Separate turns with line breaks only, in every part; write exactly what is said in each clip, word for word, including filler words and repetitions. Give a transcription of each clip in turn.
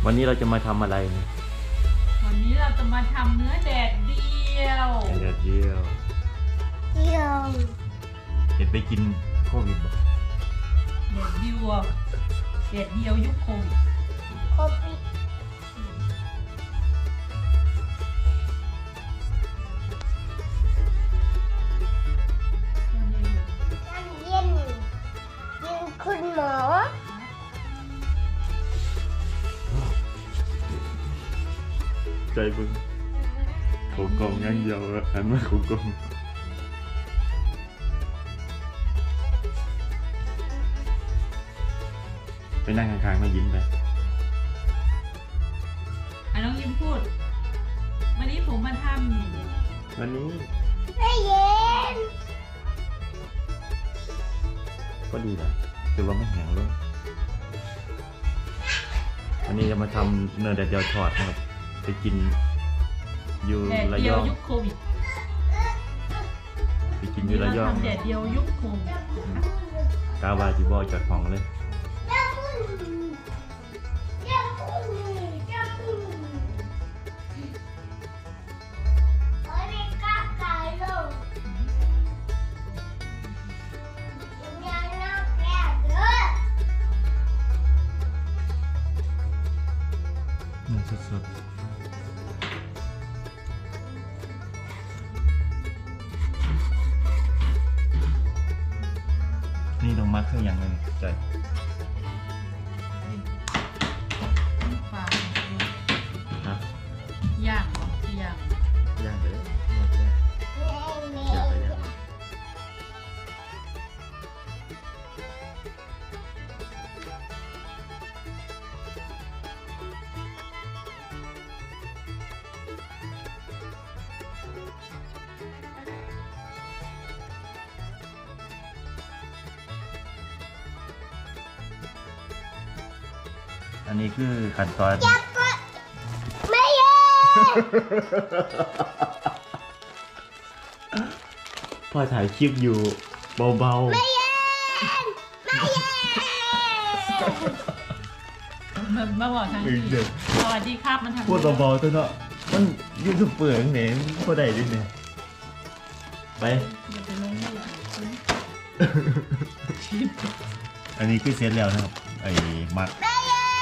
วันนี้เราจะมาทำอะไรเนี่ย
วันนี้เราจะมาทำเนื้อแดดเดียว
เดียวเดียว
เดียว
เห็นไปกินโควิดบ่
แดดเดียวแดดเดียวยุคโควิด
โควิด น้ำเย็นยิงคุณหมอ
ใจบึงโขงกงยังเดียวหันมาโขงกงไปนั่งข้างๆมายิ้มไป
อ่ะน้องยิ้มพูด วันนี้ผมมาท
วันนี้
ไม่เย็น
ก็ดีนะแต่ว่าไม่แห้งเลยวันนี้จะมาทำเนื้อแดดเดียวทอดนะครับไปกินอยู่
ำแดด
ระ
เดี
ย
ยว
อง
ยุคโควิด
ไปกินอยู่ระยอง
ทำแดดเดียวยุคโควิด
กาวาจิบอจากห้องเลย
เจ้าคุณเจ้าคุณเจ้าคุณโอ้ยไม่กล้าไก่ลงยังน่าแก่เด้อ
เนื้อสดๆนี่ต้องมัดเครื่องอย่างหนึงใจ
ฟาง
นะ
ย่างเหรอย่าง
ย่างไปเลยย่างไปเลยย่างไปเลยอันนี้คือขั้นตอน
ไม่เย็น
พ่อถ่ายคลิปอยู่เบาๆ
ไม่เย็นไม่เย็น
มันมาบอกทาง
เออ
ที่
เดี๋ยว
สวัสดีครับมันทำ
พูดเบาๆตัวเนาะมันยูทูบเปิดเนี่ยพอได้ดิเนี่ยไป
อย่าไปลงเลยชิป
อันนี้คือเสร็จแล้วนะครับ ไอ้มัด
ไม่เย็น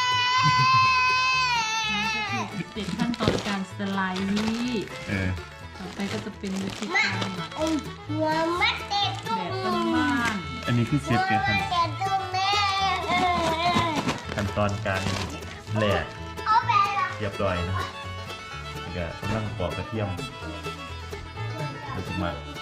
นี่ก็คือติดขั้นตอนการสไลด์
เออ
ต่อไปก็จะเป็นวิธีการ
ไอ้หัวมัดเด็ดตร
แบ
ง
บบ้าน
อันนี้คือเสร็จกันขั้น
เด็ดตรงนี้
ขั้นตอนการแหลก
เอาไปละ
เรียบร้อยนะครับแล้วก็กำลังปอกกระเทียมเราจะมา